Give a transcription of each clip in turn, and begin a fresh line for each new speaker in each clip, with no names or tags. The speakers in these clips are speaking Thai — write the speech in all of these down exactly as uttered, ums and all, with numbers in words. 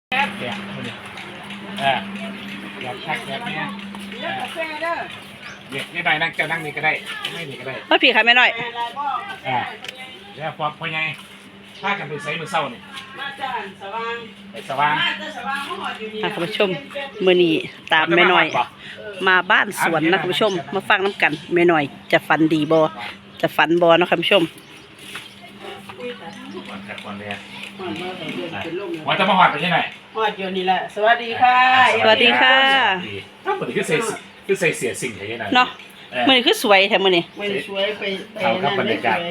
แซ่บแซ่บคนนี้เอออยากชักแบบนี้เด็กนี่ได้นั่งเจ้านั่งนี่ก็ได้ไม่นี่ก็ได้
มาผีค่ะแม่น้อย
อ่าแล้วพอพอไงถ้ากันไปใส่มือเศร้านี่
มาจากสว่าง
ไปสว่าง
มาจากสว่างมาหอดอยู่นี่
ค่ะคุณผู้ชมมื้อนี้ตามแม่น้อย มาบ้านสวนนะคุณผู้ชม มาฟังน้ำกันแม่น้อย จะฝันดีบ่จะฝันบ่เนาะคุณผู้ชม
ก่อนก่อนเลย
หอดมาแต่เดือนเป็นลม
ว่าจะมาหอดไปที่ไหน
หอดอยู่นี่แหละสวัสดีค่ะ
สวัสดีค่ะ
ถ้าเหมือนคือใส่คือใส่เสียสิ่งอะไรอย่างนั้น
เนาะมื้อนี้คือสวยแท้มื้อนี้
ไม่สวยไปไป
เขากับบรรยากาศ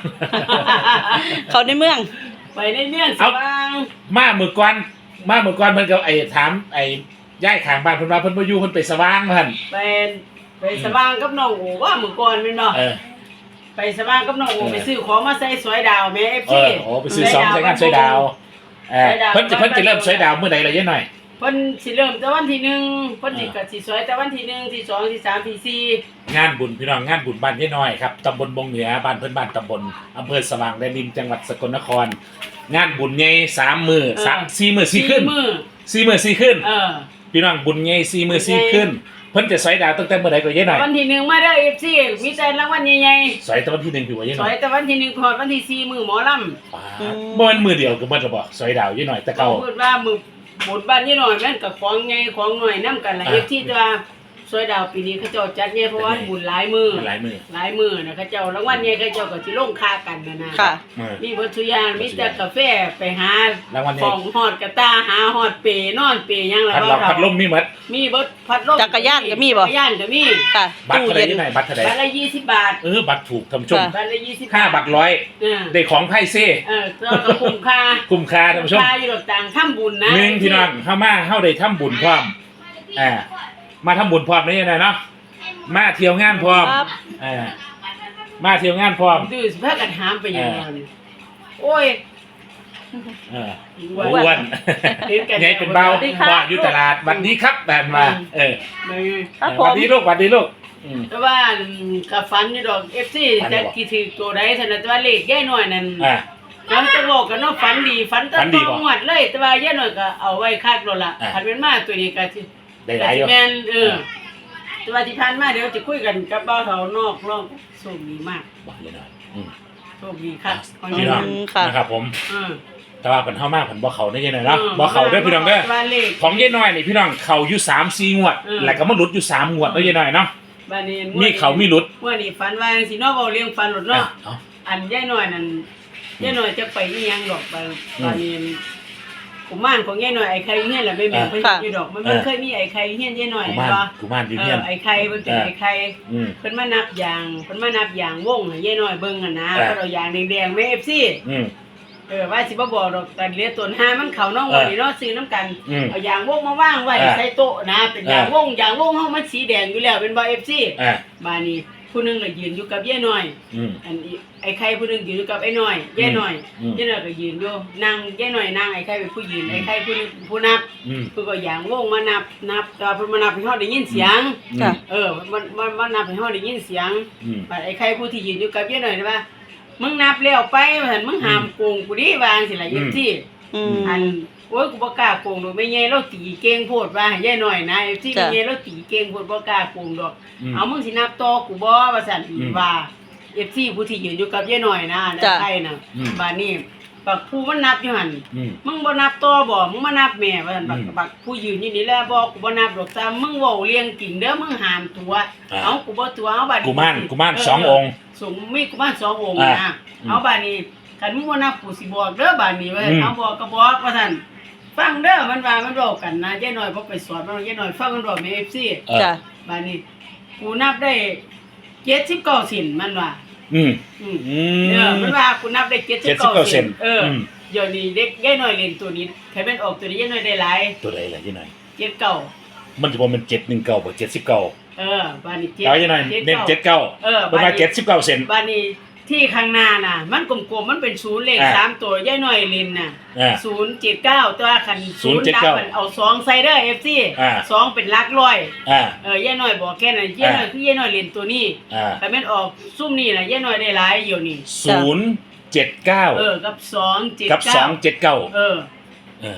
เขาในเมือง
ไปในเมืองสว่าง
มาเมื่อก่อนมาเมื่อก่อนเพิ่นก็ไอ้ถามไอ้ย้ายข้างบ้านเพิ่นว่าเพิ่นบ่อยู่เพิ่นไปสว่างเพิ่น
ไปไปสว่างกับน้องโอว่าเมื่อก่อนแม่นบ่
เออ
ไปสว่างกับน้องโอไปซื้อของมาใส่สวยดาวแม่ เอฟ
เอ
ซี
อโอ้ไปซื้อสองใส่งานสวยดาวเออเพิ่นจะเพิ่นจะเริ่มสวยดาวเมื่อใดล่ะยายหน่อย
เพิ่นสิเริ่มแต่วันที่หนึ่งเพิ่นสิก็สิสวยแต่วันที่หนึ่งที่สองที่สามที่สี่
งานบุญพี่น้องงานบุญบ้านยายน้อยครับตำบลบงเหนือบ้านเพื่อนบ้านตำบลอำเภอสว่างแดนดินจังหวัดสกลนคร งานบุญใหญ่สามมือสามสี่มือสี่ขึ้น
มื้อ
สี่มือสี่ขึ้น
เออ
พี่น้องบุญใหญ่สี่มือสี่ขึ้น เพิ่นจะสอยดาวตั้งแต่เมื่อใดก็ยายน้อย
วันที่หนึ่งมาเด้อ เอฟ ซี มีแต่รางวัลใหญ่
สอยแต่วันที่หนึ่งพี่ว่ายาย
ๆส
น้
ว
อย ย
แต่วันที่หนึ่งพอดวันที่สี่มือหมอลำ
ป้าดบ่แม่นมือเดียวก็บ่จะบอกสอยดาวยายน้อยแต่เก่า
พูดว่ามือบุญบ้านนี่หน่อยแม่นกับของใหญ่ของหน่อยนํกันล่ะ
อ่า
เอฟ ซี แต่ว่าสวยดาวปีนี้เขาเจ้าจัดใหญ่เพราะว่าบุญหลายมือ
มันหลายมือ
หลายมือนะเขาเจ้ารางวัลใหญ่เขาเจ้าก็สิลงค่ากันนะนะ
ค่ะ
เออ
มีวัตถุยางมีแต่กาแฟไปหาร
างวัลใหญ่
ของฮอดกระตาหาฮอดเปนอนเปหยังล่ะ
พัดลมพัดลมมีหมด
มีเบิดพัดลม
จักรยานก็มีบ่
จักรยานก็มี
ค่ะ
บัตร
ตู้
เท่าไหร่
เย็น
ยายน้อยบัตรเท่าไหร่
บัตรละยี่สิบบาท
เออบัตรถูกท่านผู้ชม
ค่ะ
บัตรละยี่สิบ
ค่าบัตรร้อย
เออ
ได้ของไพ่เซ่
เออเราก็คุ้มค่า
คุ้มค่าท่านผู้ชม
ค่าอยู่ดอกต่างทำบุญนะ
หนึ่งพี่น้องเข้ามาเข้าได้ทำบุญพร้อมอ่ามาทำบุญพร้อมนี่นะเนาะมาเที่ยวงานพร้อม
ครับ
อ่ามาเที่ยวงานพร้อม
ดื้อสิพากันหามไปอย่างนั้นโอ้ย
เออ
อ้วน
อ้วน
เห็นกัน
ไงเป็นเบา
สวัสดีครับ
ว่าอยู่ตลาดวันนี้ครับแบบมาเออ
ไม่
ครับผ
วัน
ม
นี้ลูกวันนี้ลูกอืม
แต่ว่ากับฟันอยู่ดอก เอฟ ซี
ฟันอยู่
จะ
บ่
กี่ถือตัวใดเท่านั้นแต่ว่าเลขแย่หน่อยนั่น
อ่า
น้ำจะบอกกันเนาะฝันดีฝันตะ
ฝันดี
ต
บ่
องวดเลย แต่ว่าแย่หน่อยก็เอาไว้คาดรถละ
อ่า
คันเป็นมาตัวนี้ก็สิ
ได้หลายอยู่
แม่นเออแต่ว่าที่ผ่านมาเดี๋ยวจะคุยกันกับเบ้าเฒ่านอกร่องโชคดีมาก
บอกเลยหน่อยอืม
โชคดีครับของ
พี่
ยาย
น้
ห
อ
น่
ง
อย
ค่ะ
นะครับผม
เออ
แต่ว่าเป็นเท่ามากผมบ่เขาได้ยังไงเนาะบ่เขาเด้อพี่น้องเด้อ
บ้านเลข
ของยายน้อยนี่พี่น้องเขาอยู่สามสี่งวด
เออ
แล้วก็มาหลุดอยู่สามงวดแล้วยายน้อยเนาะ
บ้านนี้
มีเขามีหลุด
เมื่อนี้ฝันว่าจังสิเนาะเว้าเรื่องฝันหลุด
อ่ะ
เนาะ
เอา
อันยายหน่อยนั่นยายหน่อยจะไปอีหยังดอกไป
อืม
ตอนนี้กุมารของยายหน่อยไอ้ไข่เฮียนแหละไม่แม่น
อ่า
เพิ่นอยู่ดอกมัน
เอ
มัน
อ
เคยมีไอ้ไข่เฮียนยายหน่อย
กู
เห็น
มาน
บ่
กูมานอยู่
เอ
เฮีย
อน ไอ้ไข่เพิ่นเป็น
เออ
ไอ้ไข่
อืม
เพิ่นมานับยางเพิ่นมานับยางวงให้ยายหน่อยเบิ่งอ่ะนะ
เออ
เพิ่นเอายางแดงๆแม่ เอฟ ซี
อืม
เออว่าสิบ่บอกดอกแต่เหลือต้นห้ามันเข้าน้อง
เออ
ว่านี่เนาะซื้อน้ำกัน
อืม
เอายางวงมาวางไว้
เออ
ใส่โต๊ะนะเป็นยาง
เออ
วงยางวงเฮามันสีแดงอยู่แล้วเป็นบ่ เอฟ ซี
อ่า
บ้านนี้ผู้หนึงก็ยืนอยู่กับยายหน่อย
อืม
อันนี้ไอ้ไข่ผู้หนึงยืนอยู่กับไอ้น้อยยายน้อย
อืม
ยายน้อยก็ยืนอยู่นั่งยายน้อยนั่งไอ้ไข่เป็นผู้ยืน
อืม
ไอ้ไข่ผู้หนึงผู้นับ
อืม
เพิ่นก็ย่างวงมานับนับแต่ว่าเพิ่นมานับให้เฮาได้ยินเสียง
อืม
ค่ะ
เออมันมันมันนับให้เฮาได้ยินเสียง
อืม
บัดไอ้ไข่ผู้ที่ยืนอยู่กับยายน้อยนี่ว่ามึงนับแล้วไปว่าซั่นมึงห้ามโกงกูดิว่าจังซี่ล่ะ
อื
ยิ
ม
ที่
อืม
อันโอ้ยกูบ่กล้าโกงดอกแม่ใหญ่เราตีเก่งโพดว่าให้ยายน้อยนะไอ้ที่
จ้ะ
แม่ใหญ่เราตีเก่งโพดบ่กล้าโกงดอก
อืม
เอามึงสินับต่อกูบ่ว่าซั่น
อืม
ว่าเอฟซีผู้ที่ยืนอยู่กับยายหน่อยนะใน
จ้ะ
ไทยน่ะ
อืม
บัดนี้บักผู้มันนับอยู่หั่น
อืม
มึงบ่นับต่อบ่มึงมานับแม่ว่าซั่นบัก
อืม
บักผู้ยืนอยู่นี่แหละบ่กูบ่นับดอกซ้ำมึงเว้าเรียงจริงเด้อมึงห้ามตัว
อ่า
เอากูบ่ตัวเอาบัดนี้
กุมารกุมาร
เ
สององค์
สงมีกุมารสององค์
อ่า
นะ
อืม
เอาบัดนี้คันมึงบ่นับกูสิบอกเด้อบัดนี้ว่า
อืม
เอาบอกก็บอกว่าซั่นฟังเด้อมันว่ามันเว้ากันนะยายน้อยบ่ไปสอนมันยายน้อยฟังมันเว้าแม่ เอฟ ซี
เออ
จ้ะ
บาดนี้กูนับได้เจ็ดสิบเก้าสินมันว่า
อืม
อืม
อื
เออ
ม
มันว่ากูนับได้เจ็ดสิบ
เจ็ดสิบ
เก้า
เก้า
สิ
เซ
น
น
เอออ
ม
เดี๋ยวนี้เด็กย่ายน้อยเล่นตัวนี้ใครเป็นออกตัวนี้ย่ายน้อยได้หลาย
ตัวใดล่ะยายน้อย
เจ็ดเก้า
มันจะบอกมันเจ็ดหนึ่งเก้าบ่เจ็ดสิบเก้า
เออบาดนี้เจ็ด
เอายายน้อยเน้นเจ็ดเก้า
เออ
ประมาณเจ็ดสิบเก้าเซน
บาดนี้ที่ข้างหน้าน่ะ มันกลมๆมันเป็นศูนย์เลข
อ่า
สามตัวย่ายน้อยเล่นน่ะ
อ่า
ศูนย์เจ็ดเก้าตัวคัน
ศูนย์เจ็ดเก้า
ดับมันเอาสองใส่เด้อเอฟซี
อ่า
สองเป็นหลักร้อย
อ่า
เออย่ายน้อยบอกแค่นั้นย่ายน้อยคือย่ายน้อยเล่นตัวนี้
อ่า
แต่แม่นออกซุ่มนี่น่ะย่ายน้อยได้หลายอยู่นี่
ศูนย์เจ็ดเก้า
เออกับสองเจ็ด
กับส
เก้า
องเจ็ดเก้า
เออ
เออ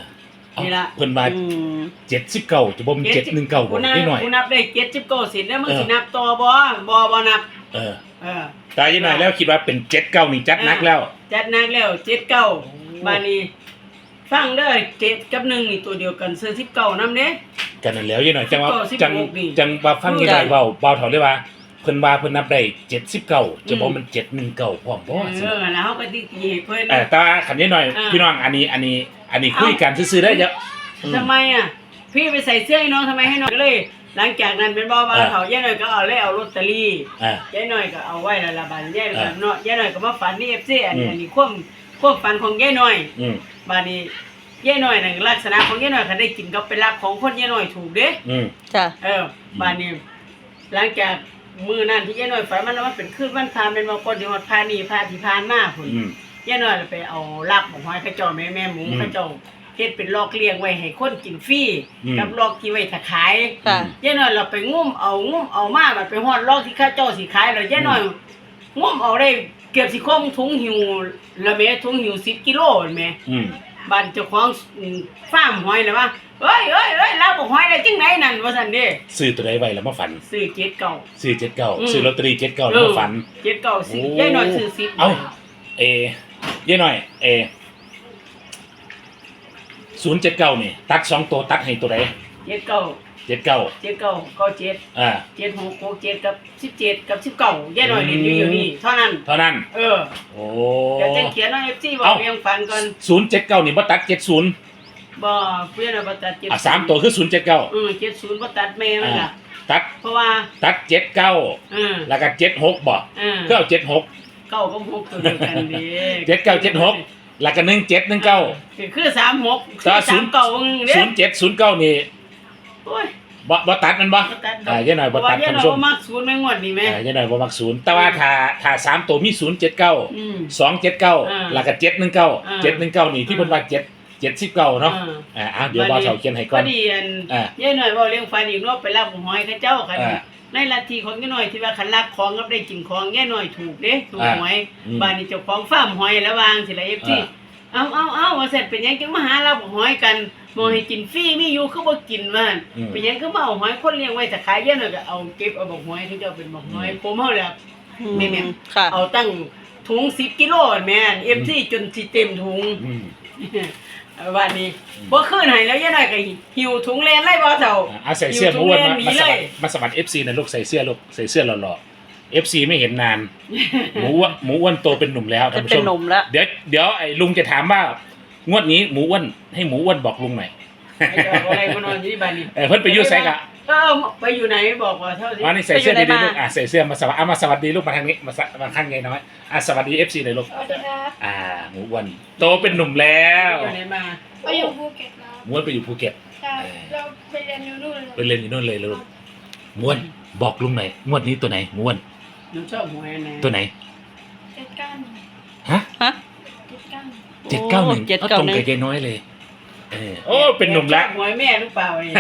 นี่ล่ะ
เพิ่นว่า
อืม
เจ็ดสิบเก้าจะบ่มีเจ็ดหนึ่งเก้าบ่
กูนับ
นิดหน่อย
กูนับได้เจ็ดสิบเก้าสินแล้วมึง
เออ
สินับต่อบ่บ่บ่นับ
เออ
เออ
ตายยังไงแล้วคิดว่าเป็นเจ็ดเก้านี่จัดหนักแล้ว
จัดหนักแล้วเจ็ดเก้าบาดนี้ฟังเด้อเจ็ดกับหนึ่งนี่ตัวเดียวกันซื้อสิบเก้านำเด้
กันนั่นแล้วยังหน่อยจังว่า
สิบ
จัง
หกนี่
จังว่าฟังยังไง
จ้ะ
เว้าเบาเท่าได้ว่าเพิ่นว่าเพิ่นนับได้เจ็ดสิบเก้าจะบ่มันเจ็ดหนึ่งเก้าพร้อมบ่
เอ
สิ
อแล้วเฮาก็ติตีให้เพิ่น
เออแต่ว่าขันยังหน่อย
อ่า
พี่น้องอันนี้อันนี้ อันนี้คุยกันซื่อๆได้เยอะอืม
ทำไมอ่ะพี่ไปใส่เสื้อให้น้องทำไมให้น้องก็เลย หลังจากนั้นเป็นบ่ว่า
เออ
เขาย่าหน่อยก็เอาเลยเอาลอตเตอรี่
อ่า
ย่าหน่อยก็เอาไว้ละละบาดย่าหน่อย
เอ
ก็
อ
เนาะย่าหน่อยก็มาฝันนี่ เอฟ ซีอัน
อืม
อันนี้ความความฝันของย่าหน่อย
อืม
บาดนี้ย่าหน่อยน่ะลักษณะของย่าหน่อยคันได้กินก็เป็นลักของคนย่าหน่อยถูกเด้
อืม
จ้ะ
เออบานนี้หลังจากมือนั่นที่ย่าน้อยฝันมันว่ามันเป็นคืนวันพาเป็นวันก่อนที่ฮอดพานี่พาที่พานมาพุ่น
อืม
ย่าน้อยไปเอาลาบของหอยเขาเจ้าแม่แม่หมู
อืม
เขาเจ้าเฮ็ดเป็นลอกเลี้ยงไว้ให้คนกินฟรี
อืม
กับลอกที่ไว้ถ้าขาย
ค่ะ
ย่าน้อยเราไปงุ้มเอางุ้มเอามาบัดไปฮอดลอกที่เขาเจ้าสิขายแล้วย่าน้อยงุ้มเอาได้เกือบสิคมถุงหิวละแม่ถุงหิวสิบกิโลแม่
อืม
บ้านเจ้าของอืมฟาร์มหอยน่ะว่าเอ้ยเอ้ยเอ้ยลาบหอยได้จังไหนนั่นว่าซั่นเด้
ซื้อตัวใดไว้แล้วมาฝัน
ซื้อเจ็ดเก่า
ซื้อเจ็ดเก้า
อืม
ซื้อลอตเตอรี่เจ็ดเก้าแล้วมาฝัน
เจ็ดเก่าสิ
โอ้
ยายหน่อยซื้อสิบ
เอ้า เอยี่หน่อย เอศูนย์เจ็ดเก้านี่ตัดสองตัวตัดให้ตัวใด
เจ็ดเก่า
เจ็ดเก้า
เจ็ดเก่าเก้าเจ็ด
อ่า
เจ็ดหกหกเจ็ดกับสิบเจ็ดกับสิบเก่ายายหน่อยเรียนอยู่อยู่นี่เท่านั้น
เท่านั้น
เออ
โอ้
เดี๋ยวจะเขียนว่าเอฟซีบอก
เอ้า
เรียงฟันก่อน
ศูนย์เจ็ดเก้านี่บ่ตัดเจ็ดศูนย์
บ่เพื่อนเอาบ่ตัดเจ็ด
อ่ะสามตัวคือศูนย์เจ็ดเก้า
เออเจ็ดศูนย์บ่ตัดแม่มัน
อ่า
ล่ะ
ตัด
เพราะว่า
ตัดเจ็ดเก้า
เออ
แล้วก็เจ็ดหกบ่
เออ
ก็เอาเจ็ดหก
เก้ากับหกตัวเดียวกันเด้
เจ็ดเก้าเจ็ดหกแล้วก็หนึ่งเจ็ดหนึ่งเก้า
คือสามหก
แต่ว่า
สามเก่าเด้
ศูนย์เจ็ดศูนย์เก้านี่
โอ้ย
บ่บ่ตัดมันบ่
บ่ตัดดอก
อ่ายี่หน่อยบ่ตัด
เพราะว่า
ท่าน
ยายหน่
ผู้
อย
ชม
บ่มักศูนย์ไม่งวดนี่แม่
อ่ายี่หน่อยบ่มักศูนย์แต่ว่าถ้าถ้าสามตัวมีศูนย์เจ็ดเก้า
อืม
สองเจ็ดเก้า
อ่า
แล้วก็เจ็ดหนึ่งเก้า
อ่า
เจ็ดหนึ่งเก้านี่ที่เพิ่นว่าเจ็ดเจ็ดสิบเก้าเนาะ
ออ
อ่าอ่ะเดี๋ยวบ่าวเฒ่าเขียนให้ก่
พ
อ
อน ดีอัน
อ่า
ย่ายหน่อยเว่าเรื่องฟันอีกเนาะไปรับหอยเขาเจ้าคัน
อ่า
ในลัทธิของย่ายหน่อยที่ว่าคันลักของกับได้กินของย่ายหน่อยถูกเด้ถูก
อ่า
หวย
อืม
บ้านนี้เจ้าของฟาร์มหอยแล้ววางสิละ เอฟ ซี
อ่า
เอาเอาเอาว่าเสร็จเป็นหยังจึงมาหารับหอยกันบ่ให้กินฟรีมีอยู่คือบ่กินว่าหั่น
อืม
เป็นหยังคือมาเอาหอยคนเลี้ยงไว้ถ้าขายย่ายหน่อยก็เอาเก็บเอาบอกหอยเขาเจ้าเป็นบอกหอยผมเฮาแหละ แม่
ค่ะ
เอาตั้งถุงสิบกิโลแม่น เอฟ ซี จนสิเต็มถุง
อืม
วันนี้บ่คืนให้แล้วยังไงก็หิวถุงแลนเลยบ่เจ้า
อ่ะเอาใส่เสื้อหมูอ้วนมา
หิ
มา
ถุง
ส
แล
มั
น
ค
ห
รมาสมัคร เอฟ ซี นะลูกใส่เสื้อลูกใส่เสื้อหล่อๆ เอฟ ซี ไม่เห็นนาน หมูอ้วนหมูอ้วนโตเป็นหนุ่มแล้วท่านผู้ช
เป็น
ม
หนุ่มแล้ว
เดี๋ยวเดี๋ยวไอ้ลุงจะถามว่างวดนี้หมูอ้วนให้หมูอ้วนบอกลุงหน่อย
ไอ้เจ้าอะไรมานอนอยู่ที่บ้านนี่
เออเพิ่นไปอยู่ไสกะ
เออไปอยู่ไหนบอกว่าเท่าที่
มานี่ใส่เสื้อ
ไปอยู่
ดี
ไหน
ๆลู
มา
กอ่ะใส่เสื้อมาสวัสดีอ่ะมาสวัสดีลูกมาทางนี้มาสะมาข้างไงน้อยอ่ะสวัสดี เอฟ ซี เลยลูก
สวัสดีครับ
อ่าหมูอ้วนโตเป็นหนุ่มแล้ว
อยู่ไหนมา
ไปอยู่ภูเก็ตแล้ว
หมูอ้วนไปอยู่ภูเก็ต
ใช่เราไปเรียนอยู่นู่นเลย
ไปเรียนอยู่นู่นเลยลูกหมูอ้วนบอกลุงหน่อยงวดนี้ตัวไหนหมูอ้วน
หนูชอบหวยอันไหน
ตัวไหน
เจ็ดเก้าหนึ่ง
ฮะ
ฮะ
เจ็ดเก้าหนึ่ง
เจ็ดเก้าหนึ่ง
เจ็ด
ก็
เก้า
ตรง
หนึ่ง
กับยายน้อยเลยเออโอ้เป็นหนุ่มแล้ว
ชอบหวยแม่หรือเปล่านี่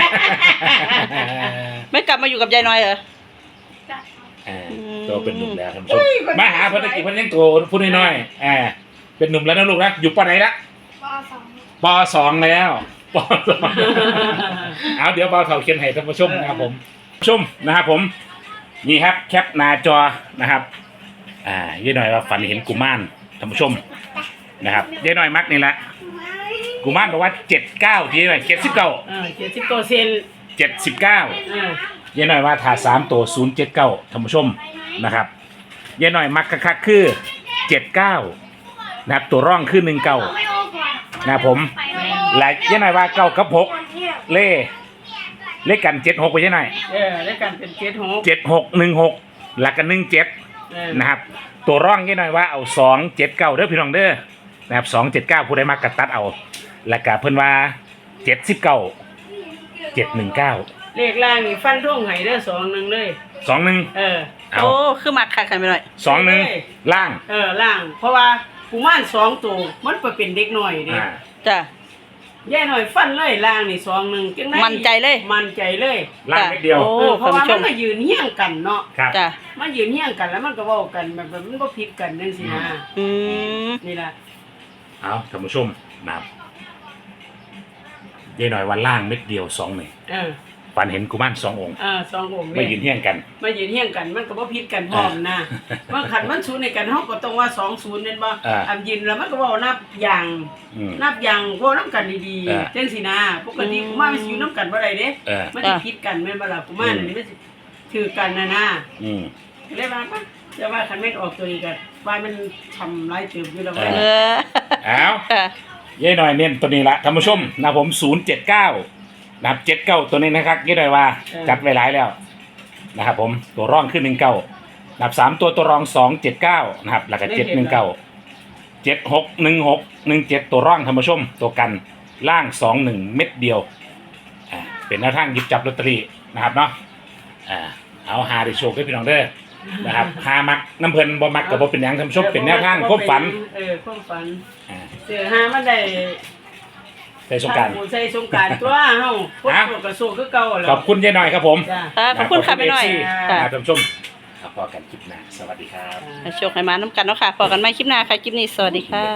ไม่กลับมาอยู่กับยายน้อยเหรอ
จ้ะ
อ่า
อืม
โตเป็นหนุ่มแล้วท่านผู้ชมมาหาเพิ่นตะกี้เพิ่นยังโตพูดน้อยๆอ่าเป็นหนุ่มแล้วนะลูกนะอยู่ปอไหนละ
ปสอง
ปสองแล้วปสองเอาเดี๋ยวเบาเท่าเขียนให้ท่านผู้ชมนะครับผมชมนะครับผมนี่ครับแคปหน้าจอนะครับ อ่ายี่หน่อยว่าฝันเห็นกุมารท่านผู้ชมนะครับยี่หน่อยมักนี่แหละกุมารบอกว่าเจ็ดเก้าที่หน่อยเจ็ดสิบเก้า
เออเจ็ดสิบเปอร์เซ็นต์
เจ็ดสิบเก้า
เออ
ยี่หน่อยว่าถาสามตัวศูนย์เจ็ดเก้าท่านผู้ชมนะครับยี่หน่อยมักคักๆคือเจ็ดเก้านะครับตัวร่องคือหนึ่งเก้า
ไม่โอ้ก่อน
นะครับผมและยี่หน่อยว่าเก้ากับหกเล่เลขกันเจ็ดหกไปยี่หน่อย
เออแล้วกันเป็นเจ็ดหก
เจ็ดหกหนึ่งหกหลักกันหนึ่งเจ็ด
เออ
นะครับตัวร่องยี่หน่อยว่าเอาสองเจ็ดเก้าเด้อพี่น้องเด้อนะครับสองเจ็ดเก้าผู้ใดมากัดตัดเอาแล้วก็เพิ่นว่าเจ็ดสิบเก้าเจ็ดหนึ่งเก้า
เลขล่างนี่ฟันทุ่งไห้เด้อสองหนึ่งเลย
สองหนึ่ง
เออ
เอา
โอ้คือมักคักกันไปหน่อย
สองหนึ่งล่าง
เออล่าง เพราะว่ากุมารสองตัวมันไปเป็นเด็กหน่อยเด้
อ่า
จ้ะ
ย่าหน่อยฟันเลยล่างนี่สองหนึ่งจังได๋
มั่นใจเลย
มั่นใจเลย
ล่างนิดเดียว
โอ้
เออเพราะว่า
ท่านผู้ช
มัน
ม
มายืนเฮี้ยงกันเนาะ
ครับ
จ้ะ
มายืนเฮี้ยงกันแล้วมันก็เว้ากันแบบแบบมันก็ผิดกันจังซี่นะ
อืม
นี่ล่ะ
เอาท่านผู้ชมนะครับยายหน่อยวันล่างเม็ดเดียวสองหนึ่ง
เออ
ฝันเห็นกุมารสององค์
เออสององค์
ไม่ยืนเที่ยงกัน
มายืนเฮี้ยงกันมันก็บ่ผิดกันพร้อมนะว่าคันมันศูนย์ในกันเฮาก็ต้องว่าสองศูนย์นั่นบ่
อ่า
อันยืนแล้วมันก็เว้านับอย่าง
อืม
นับอย่างเว้านํกันดี
อ่า
ๆจังซี่นะปกติกูมามันสิอยู่นํกันบ่ได้เด้
เออ
มันสิผิดกันแม่นบ่ล่ะกูมานี่มันสิถือกันนะนะ
อืม
เลยว่าปะจะว่าคันแม่นออกตัวนี้ก็ว่ามันทำหลายเติบอยู่แล้ว
เอ
เว้ย
เออ
เอา
ค่ะ
ยายหน่อยเน้นตัวนี้ละท่านผู้ชมนะผมศูนย์เจ็ดเก้านะครับเจ็ดเก้าตัวนี้นะครับยายหน่อยว่าจัดไว้หลายแล้วนะครับผมตัวร่องขึ้นหนึ่งเก้านับสามตัวตัวรองสองเจ็ดเก้านะครับแล้วก็เจ็ดหนึ่งเก้าเจ็ดหกหนึ่งหกหนึ่งเจ็ดตัวร่องท่านผู้ชมตัวกันล่างสองหนึ่งเม็ดเดียวอ่าเป็นแนวทางหยิบจับลอตเตอรี่นะครับเนาะอ่าเอาหาได้โชคให้พี่น้องเด้อนะครับหามักน้ำเพลินบ่มักกับบ่เป็นหยังท่านผู้ชมเป็นแนวทางความฝัน
เออความฝัน
อ่า
เสือหามันได้
ในสงกราร
ทำบุญใส่สงกรารตัวเฮาคน
อ่ะ
โสดก็โสดคือเก่าแหล้
ขอบคุณยายหน่อยครับผม
จ้า
ค่ะขอบคุณค่ะแม่น้อย
ขอบณ
ค่ะ
เอฟซีท่านผู้ชมครับพอกันคลิปหน้าสวัสดีครับ
ให้โชคให้มาน้ำกันเนาะค่ะพอกันใหม่คลิปหน้าค่ะ คลิปนี้สวัสดีค่ะ